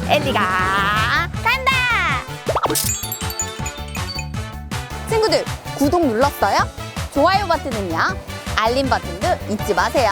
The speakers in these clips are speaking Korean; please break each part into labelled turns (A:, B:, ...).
A: 엘리가 간다. 친구들, 구독 눌렀어요? 좋아요 버튼은요? 알림 버튼도 잊지 마세요.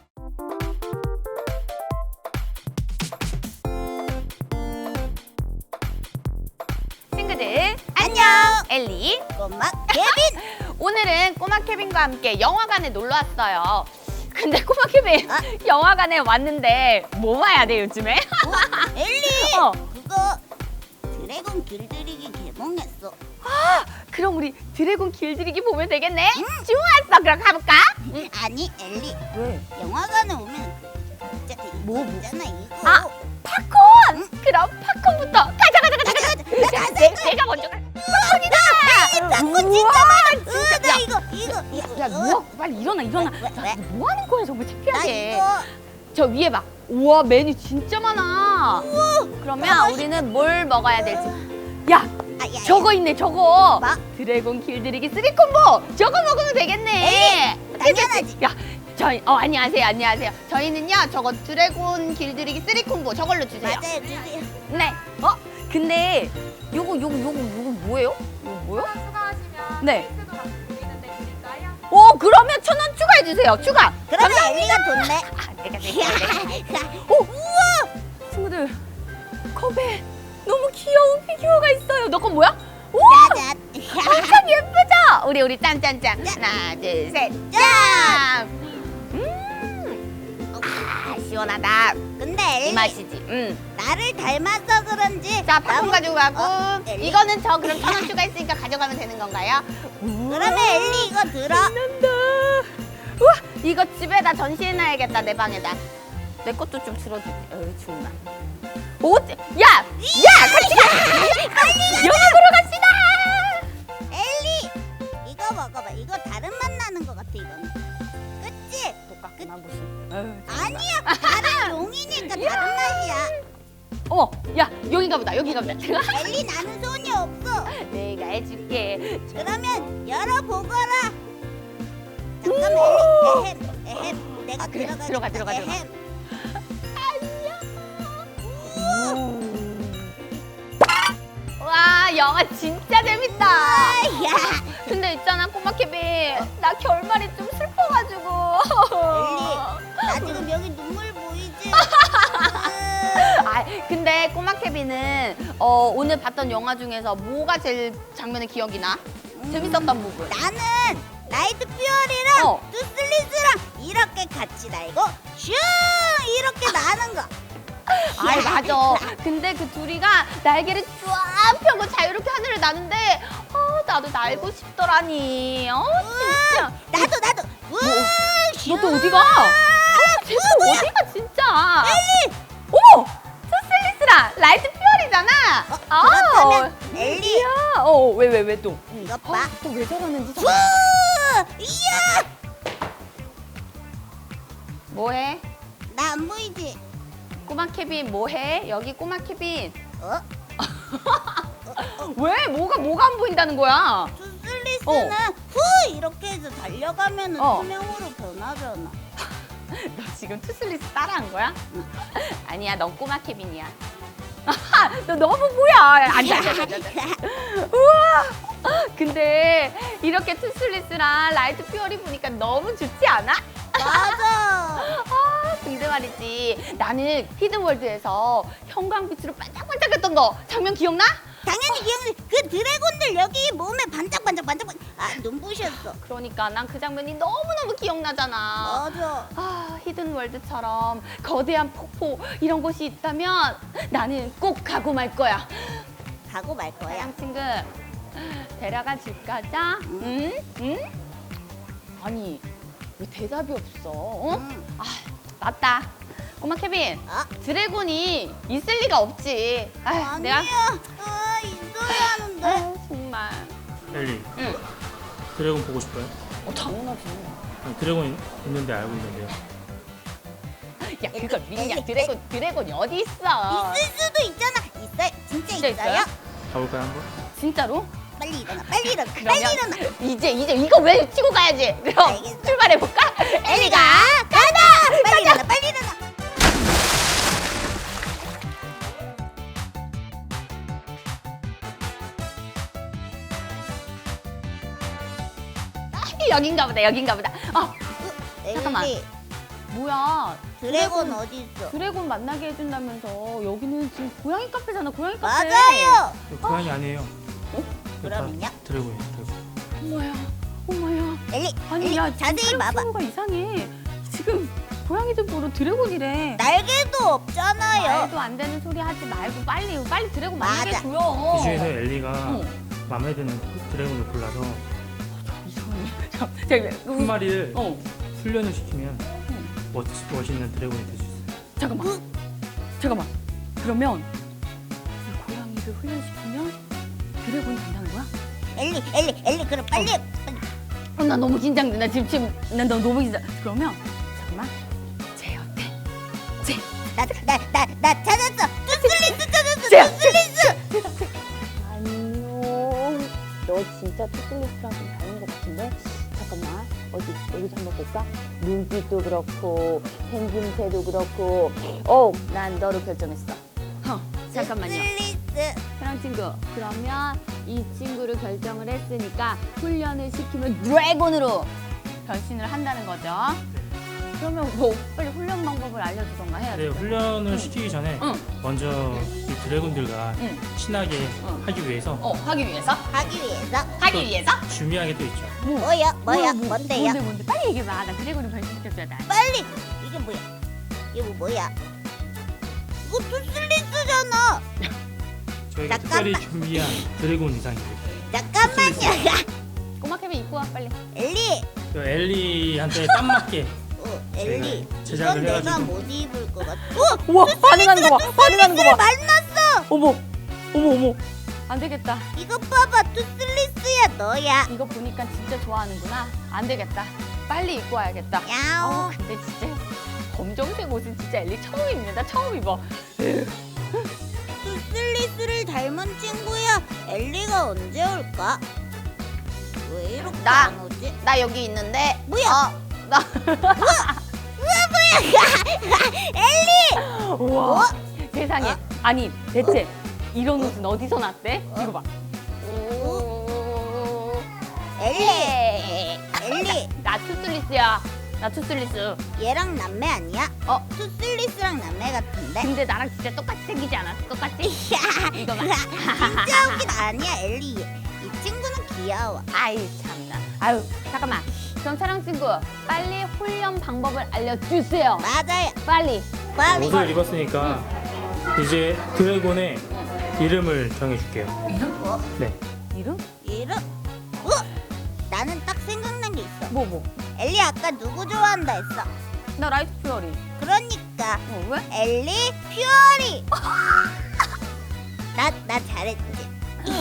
A: 친구들 안녕. 엘리
B: 꼬마 케빈.
A: 오늘은 꼬마 케빈과 함께 영화관에 놀러 왔어요. 근데 꼬마 케빈 영화관에 왔는데 뭐 봐야 돼 요즘에?
B: 엘리
A: 어.
B: 그거 드래곤 길들이기 개봉했어.
A: 그럼 우리 드래곤 길들이기 보면 되겠네? 좋았어. 그럼 가볼까?
B: 아니 엘리
A: 왜?
B: 영화관에 오면 진짜
A: 뭐?
B: 있잖아 이거.
A: 아, 팝콘! 그럼 팝콘부터 가자. 내가 먼저 가. 팝콘이다!
B: 진짜 많아.
A: 진짜.
B: 나 이거.
A: 야, 뭐 빨리 일어나.
B: 왜?
A: 야, 뭐 하는 거야 정말
B: 나
A: 창피하게.
B: 이거.
A: 저 위에 봐. 우와, 메뉴 진짜 많아. 그러면
B: 맛있겠다.
A: 우리는 뭘 먹어야 될지. 야,
B: 야.
A: 저거 있네, 저거.
B: 뭐?
A: 드래곤 길들이기 3콤보. 저거 먹으면 되겠네.
B: 당연하지.
A: 야, 저희 안녕하세요. 저희는요, 저거 드래곤 길들이기 3콤보 저걸로 주세요.
B: 맞아요 주세요.
A: 네. 근데 요거 뭐예요? 이거 뭐요?
C: 추가하시면
A: 네.
C: 케이크도 같이 드리는데 드릴까요?
A: 그러면 1,000원 추가해 주세요. 추가.
B: 그러면 엘리가 돈내.
A: 내가
B: 우와.
A: 친구들, 컵에 너무 귀여운 피규어가 있어요. 너 건 뭐야? 오!
B: 짜잔.
A: 엄청 예쁘죠? 우리 짠. 하나, 둘, 셋, 짠! 시원하다.
B: 근데
A: 이
B: 엘리
A: 맛이지.
B: 나를 닮아서 그런지.
A: 자, 팝콘 가지고 가고.
B: 엘리?
A: 이거는 저 그럼 1,000원 추가했으니까 가져가면 되는 건가요?
B: 그러면 엘리 이거 들어.
A: 신난다. 우와, 이거 집에다 전시해놔야겠다, 내 방에다. 내 것도 좀 들어주지. 정말. 야, 같이 가. 영화 보러 갑시다.
B: 엘리 이거 먹어봐. 이거 다른 맛 나는 것 같아 이거는. 그치?
A: 똑같구나 무슨.
B: 아니야 다른 용이니까 다른 맛이야.
A: 어머, 야, 여긴가 보다.
B: 엘리 나는 손이 없어.
A: 내가 해줄게.
B: 그러면 열어보거라. 잠깐만 엘리. 에헴. 내가
A: 그래,
B: 들어가.
A: 들어가.
B: 에헴.
A: 와, 영화 진짜 재밌다.
B: 야
A: 근데 있잖아, 꼬마 케빈. 나 결말이 좀 슬퍼가지고.
B: 엘리 나 지금 여기 눈물 보이지?
A: 근데 꼬마 케빈은 오늘 봤던 영화 중에서 뭐가 제일 장면에 기억이 나? 재밌었던 부분.
B: 나는 나이트 퓨어리랑
A: 어.
B: 투슬리스랑 이렇게 같이 날고 슝 이렇게 나는 거.
A: 맞아. 근데 그 둘이가 날개를 쫙 펴고 자유롭게 하늘을 나는데 나도 날고 싶더라니. 진짜.
B: 나도.
A: 너 또 어디가? 쟤 또 어디가 진짜?
B: 엘리.
A: 어머! 투슬리스랑 라이트 퓨어리잖아.
B: 그렇다면 엘리
A: 야, 왜 또?
B: 이것 봐.
A: 또 왜 저러는지.
B: 후! 이야!
A: 뭐해?
B: 나 안 보이지?
A: 꼬마 케빈 뭐해? 여기 꼬마 케빈.
B: 어?
A: 왜? 뭐가 안 보인다는 거야?
B: 투슬리스는 후 이렇게 해서 달려가면
A: 어.
B: 투명으로 변하잖아.
A: 너 지금 투슬리스 따라한 거야? 아니야, 넌 꼬마 케빈이야. 너 너무 뭐야? 앉아. 우와! 근데 이렇게 투슬리스랑 라이트 퓨어리 보니까 너무 좋지 않아?
B: 맞아.
A: 근데 말이지, 나는 히든월드에서 형광빛으로 반짝반짝했던 거 장면 기억나?
B: 당연히 기억나. 그 드래곤들 여기 몸에 반짝반짝. 눈부셨어.
A: 그러니까 난 그 장면이 너무너무 기억나잖아.
B: 맞아.
A: 히든월드처럼 거대한 폭포 이런 곳이 있다면 나는 꼭 가고 말 거야.
B: 가고 말 거야.
A: 사양 친구, 데려가 줄까? 자? 응? 아니, 왜 대답이 없어? 맞다. 꼬마 케빈, 드래곤이 있을 리가 없지.
B: 아니야. 있어야 하는데.
A: 정말.
D: 엘리,
A: 응.
D: 드래곤 보고 싶어요?
A: 당연하지.
D: 아니, 드래곤 있는데 알고 있는데요.
A: 야, 그걸 믿냐? 드래곤이 어디 있어?
B: 있을 수도 있잖아. 진짜
A: 진짜 있어요?
D: 가볼까요 한번?
A: 진짜로?
B: 빨리 일어나. 빨리 일어나.
A: 그러면
B: 빨리 일어나.
A: 이제 이거 왜 치고 가야지? 그럼
B: 알겠어.
A: 출발해볼까?
B: 엘리가 가자. 빨리 일어나. 빨리 일어나.
A: 여긴가 보다, 여긴가 보다. 잠깐만.
B: 엘리,
A: 뭐야?
B: 드래곤 어디 있어?
A: 드래곤 만나게 해준다면서 여기는 지금 고양이 카페잖아, 고양이 카페.
B: 맞아요.
D: 이거 고양이 아니에요.
B: 그럼요.
D: 드래곤이에요, 드래곤.
A: 엄마야, 엄마야.
B: 엘리,
A: 아니
B: 엘리,
A: 야, 지금
B: 자세히
A: 촬영
B: 봐봐.
A: 친구가 이상해. 지금 고양이들 보러 드래곤이래.
B: 날개도 없잖아요.
A: 말도 안 되는 소리 하지 말고 빨리 드래곤 만나게
B: 맞아.
A: 줘요.
D: 이 중에서 엘리가
A: 어.
D: 마음에 드는 드래곤을 골라서
A: 이상하네.
D: 한 마리를
A: 어.
D: 훈련을 시키면 멋있는 드래곤이 될 수 있어요.
A: 잠깐만. 그러면 이 고양이를 훈련시키면 드래곤이 된다는 거야?
B: 엘리, 그럼 빨리.
A: 나 너무 긴장돼. 나 지금 나 너무 긴장. 그러면 잠깐만. 쟤 어때? 쟤.
B: 나 찾았어. 투슬리스 찾았어.
A: 쟤.
B: 투슬리스.
A: 안녕. 너 진짜 투슬리스랑 좀 닮은 것 같은데? 잠깐만. 어디 여기서 한번 볼까? 눈빛도 그렇고 생김새도 그렇고. 난 너로 결정했어. 잠깐만요.
B: 투슬리스.
A: 사랑 친구. 그러면 이 친구를 결정을 했으니까 훈련을 시키면 드래곤으로 변신을 한다는 거죠. 그러면 뭐 빨리 훈련 방법을 알려주던가 해야
D: 네,
A: 돼.
D: 훈련을 시키기 전에
A: 응.
D: 먼저 이 드래곤들과
A: 응.
D: 친하게
A: 응.
D: 하기 위해서
A: 하기 위해서?
B: 하기 위해서
D: 준비한 게 또 있죠.
B: 뭐야? 뭔데요?
A: 뭔데? 빨리 얘기해봐. 나 드래곤을 변신시켜줘야 돼.
B: 빨리. 이게 뭐야? 이거 뭐야? 이거 투슬리스잖아.
D: 저희가
B: 잠깐만.
D: 특별히 준비한 드래곤 의상입니다.
B: 잠깐만요.
A: 꼬마 케빈 입고 와 빨리.
B: 엘리.
D: 저 엘리한테 딱 맞게
B: 엘리.
D: 제작을
B: 이건 내가
D: 해가지고.
B: 못 입을 것 같아.
A: 우와 반응하는 거 봐. 반응하는 거 봐.
B: 만났어.
A: 어머. 안 되겠다.
B: 이거 봐봐. 투슬리스야 너야.
A: 이거 보니까 진짜 좋아하는구나. 안 되겠다. 빨리 입고 와야겠다.
B: 야옹.
A: 근데 진짜 검정색 옷은 진짜 엘리 처음 입는다. 처음 입어.
B: 투슬리스를 닮은 친구야. 엘리가 언제 올까? 왜 이렇게
A: 나.
B: 안 오지?
A: 나 여기 있는데.
B: 뭐야?
A: 나.
B: 엘리.
A: 우와. 세상에. 아니 대체 이런 옷은 어디서 났대? 이거 봐.
B: 엘리. 엘리.
A: 나 투슬리스야. 나 투슬리스.
B: 얘랑 남매 아니야? 투슬리스랑 남매 같은데?
A: 근데 나랑 진짜 똑같이 생기지 않았어? 똑같이? 이거 봐.
B: 진짜 웃긴 아니야 엘리. 이 친구는 귀여워.
A: 아이 참나. 아유 잠깐만. 그럼 사랑 친구 빨리 훈련 방법을 알려주세요.
B: 맞아요.
A: 빨리.
B: 빨리.
D: 옷을 입었으니까 이제 드래곤의 이름을 정해줄게요.
B: 이름?
D: 네.
A: 이름?
B: 이름? 나는 딱 생각난 게 있어.
A: 뭐?
B: 엘리 아까 누구 좋아한다 했어?
A: 나 라이트 퓨어리.
B: 그러니까
A: 왜?
B: 엘리 퓨어리. 나 잘했지.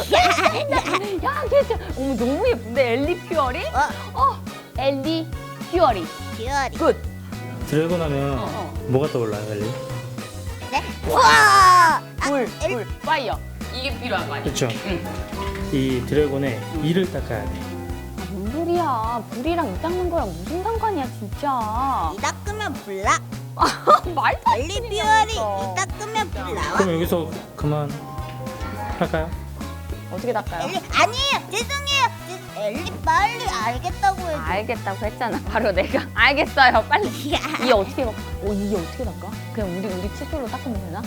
A: 야 괜찮아. 어머 너무 예쁜데 엘리 퓨어리? 엘리 퓨어리.
B: 퓨어리.
A: 굿.
D: 드래곤 하면 뭐가 떠올라요, 엘리?
B: 네? 우와.
A: 불, 파이어. 이게 필요한 거 아니야?
D: 그렇죠. 이 드래곤의 이를 닦아야 돼.
A: 뭔 소리야? 불이랑 이 닦는 거랑 무슨 상관이야 진짜.
B: 이 닦으면 불 나.
A: 말도 안
B: 엘리
A: 되는
B: 퓨어리
A: 소리야.
B: 이 닦으면 불 나와.
D: 그럼 여기서 그만 할까요?
A: 어떻게 닦아요?
B: 엘리 아니에요. 죄송해요. 엘리 빨리 알겠다고 해줘.
A: 알겠다고 했잖아. 바로 내가 알겠어요. 빨리.
B: 야.
A: 이게 어떻게 이게 어떻게 닦아? 그냥 우리 칫솔로 닦으면 되나?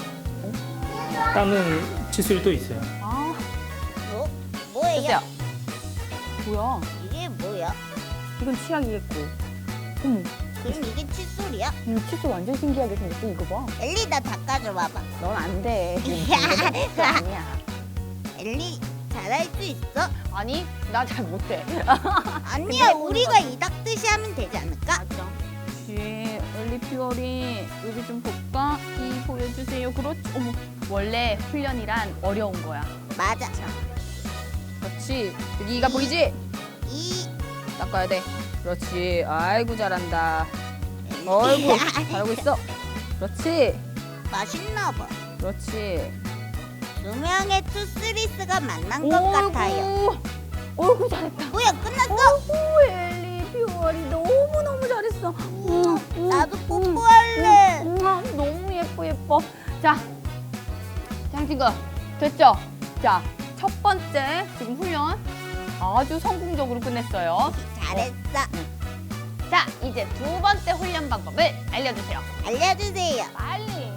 D: 닦는 칫솔이 또 있어요.
A: 아,
B: 뭐예요?
A: 됐어요. 뭐야?
B: 이게 뭐야?
A: 이건 치약이겠고. 어머,
B: 그럼 이게 칫솔이야?
A: 이 칫솔 완전 신기하게 생겼어. 이거 봐.
B: 엘리 나 닦아줘 봐봐.
A: 넌 안 돼. 이거 아니야.
B: 엘리 잘할 수 있어?
A: 아니, 나 잘 못해.
B: 아니야 우리가 이 닦듯이 하면 되지 않을까?
A: 맞아. 그렇지. 엘리 퓨어리 여기 좀 볼까? 이 보여주세요. 그렇지. 어머, 원래 훈련이란 어려운 거야.
B: 맞아.
A: 그렇지. 여기가 보이지?
B: 이
A: 닦아야 돼. 그렇지. 아이고 잘한다. 어이구 잘하고 있어. 그렇지.
B: 맛있나 봐.
A: 그렇지.
B: 두 명의 투스리스가 만난 것 같아요.
A: 어이구 잘했다.
B: 뭐야 끝났어?
A: 어이구 엘리 퓨어리 너무 잘했어.
B: 나도 뽀뽀할래.
A: 너무 예뻐. 자, 장친구 됐죠? 자, 첫 번째 지금 훈련 아주 성공적으로 끝냈어요.
B: 잘했어.
A: 자, 이제 두 번째 훈련 방법을 알려주세요.
B: 알려주세요.
A: 빨리.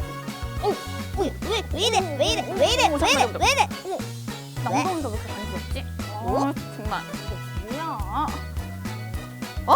B: 왜 이래?
A: 잠깐만.
B: 왜 이래?
A: 나 엉덩이가 왜 이렇게 간지럽지?
B: 어?
A: 정말. 이게 뭐야? 어?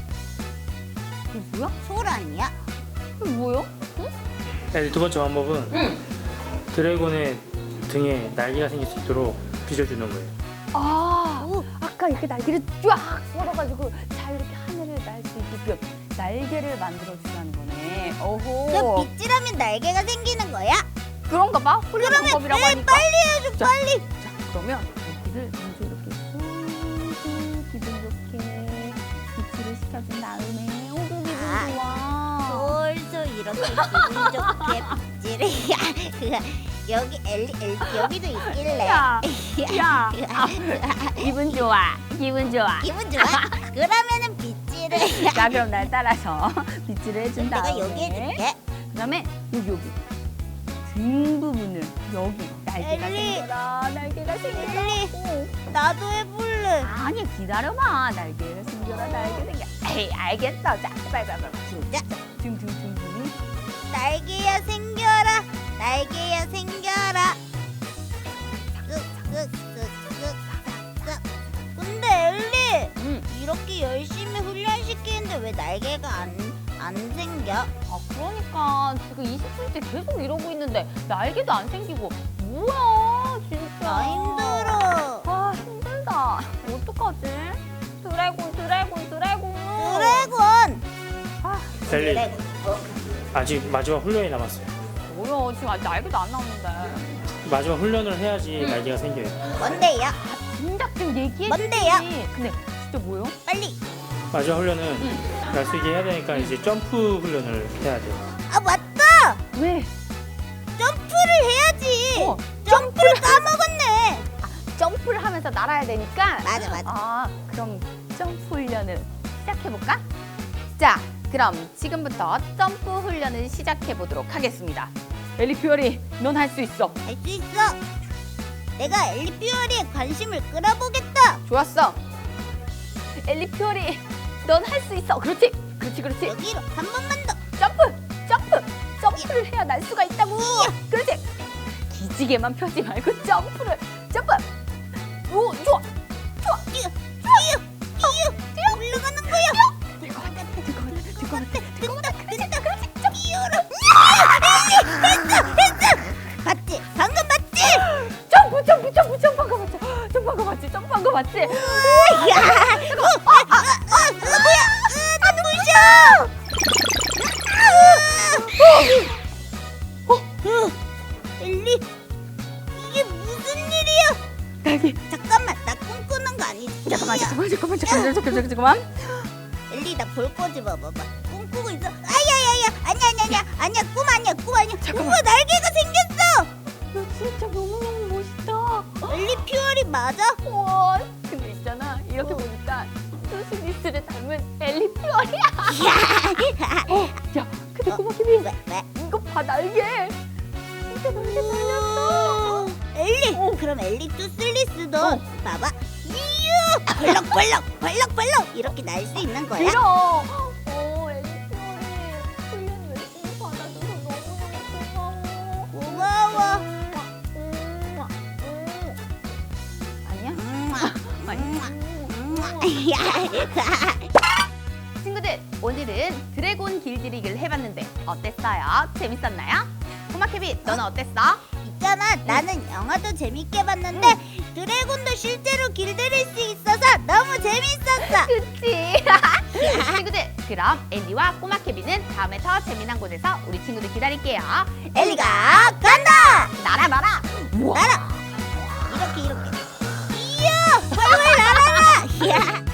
A: 이게 뭐야?
B: 솔 아니야?
A: 이게 뭐야?
D: 네, 두 번째 방법은 드래곤의 등에 날개가 생길 수 있도록 빚어주는 거예요.
A: 아, 아까 이렇게 날개를 쫙 뻗어가지고 자 이렇게 하늘을 날 수 있게끔 날개를 만들어주라는 거네.
B: 그
A: 어호.
B: 빗질하면 날개가 생기는 거야?
A: 그런가 봐. 훈련 방법이라고 하니까.
B: 빨리 해줘,
A: 자.
B: 빨리.
A: 자, 그러면 여기를 먼저 이렇게 쏘고 기분 좋게 비치를 시켜준 다음에 오구 기분
B: 아,
A: 좋아.
B: 솔솔 이렇게 기분 좋게 빗질을. 여기 엘리 여기도 있길래.
A: 야, 야. 기분 좋아. 기분 좋아.
B: 기분 좋아? 그러면은 빗질을.
A: 자, 그럼 날 따라서 비치를 해준 다음에
B: 내가 여기 해줄게.
A: 그다음에 여기 등 부분을 여기 날개가
B: 엘리.
A: 생겨라. 날개가 생겨라.
B: 엘리.
A: 오.
B: 나도 해볼래.
A: 아니 기다려봐. 날개가 생겨라. 날개 생겨. 에이 알겠어. 자 빨리.
B: 진짜?
A: 등.
B: 날개야 생겨라. 날개야 생겨라. 근데 엘리 이렇게 열심히 훈련시키는데 왜 날개가 안 생겨?
A: 아 그러니까 지금 20분째 계속 이러고 있는데 날개도 안 생기고 뭐야 진짜.
B: 나 힘들어.
A: 아 힘들다. 어떡하지? 드래곤.
B: 드래곤.
A: 아
D: 엘리,
B: 드래곤.
D: 아직 마지막 훈련이 남았어요.
A: 뭐야 지금 아직 날개도 안 나오는데.
D: 마지막 훈련을 해야지 날개가 생겨요.
B: 뭔데요?
A: 진작 좀 얘기해.
B: 뭔데요?
A: 근데 진짜 뭐요?
B: 빨리.
D: 마지막 훈련은 날 수 있게 해야 되니까 이제 점프 훈련을 해야 돼요.
B: 아 맞다.
A: 왜?
B: 점프를 해야지.
A: 어,
B: 점프를 까먹었네.
A: 점프를 하면서 날아야 되니까.
B: 맞아.
A: 아, 그럼 점프 훈련을 시작해볼까? 자, 그럼 지금부터 점프 훈련을 시작해보도록 하겠습니다. 엘리퓨어리, 넌 할 수 있어.
B: 할 수 있어. 내가 엘리 퓨어리에 관심을 끌어보겠다.
A: 좋았어. 엘리퓨어리, 넌 할 수 있어. 그렇지.
B: 여기로 한 번만 더.
A: 점프를 해야 날 수가 있다고. 그렇지. 기지개만 펴지 말고 점프. 오, 좋아.
B: 뛰어. 올라가는 거야.
A: 될 것 같아.
B: 됐다. 뛰어라. 엘리 됐어. 봤지? 방금 봤지?
A: 점프한 거 맞지?
B: 야. 뭐야? 나 부셔. 엘리, 이게 무슨 일이야?
A: 날개.
B: 잠깐만, 나 꿈꾸는 거 아니지?
A: 잠깐만.
B: 엘리, 나 볼 거지 봐봐. 꿈꾸고 있어. 아니야. 꿈 아니야.
A: 잠깐만.
B: 우와, 날개가 생겼어.
A: 너 진짜 너무너무 멋있다.
B: 엘리 퓨어리 맞아?
A: 우와. 근데 있잖아. 이렇게 보니까 투스미스를 닮은 엘리퓨어리야. 야, 근데 꼬마김이
B: 왜?
A: 이거 봐 날개. 진짜 날개 달렸어.
B: 엘리,
A: 어.
B: 그럼 엘리 투슬리스도
A: 어.
B: 봐봐. 이유, 벌럭 이렇게 날 수 있는 거야?
A: 길어. 엘리퓨어리 훈련 열심히 받아줘서 너무너무 고마워.
B: 고마워.
A: 아니야? 친구들, 오늘은 드래곤 길들이기를 해봤는데 어땠어요? 재밌었나요? 꼬마 케빈, 너는 어땠어?
B: 있잖아, 나는 영화도 재밌게 봤는데 드래곤도 실제로 길들일 수 있어서 너무 재밌었어.
A: 그치? 친구들, 그럼 엘리와 꼬마 케빈은 다음에 더 재미난 곳에서 우리 친구들 기다릴게요.
B: 엘리가 간다.
A: 날아봐라. 우와.
B: 날아. 이렇게. 이야, 활활 날아라. 이야.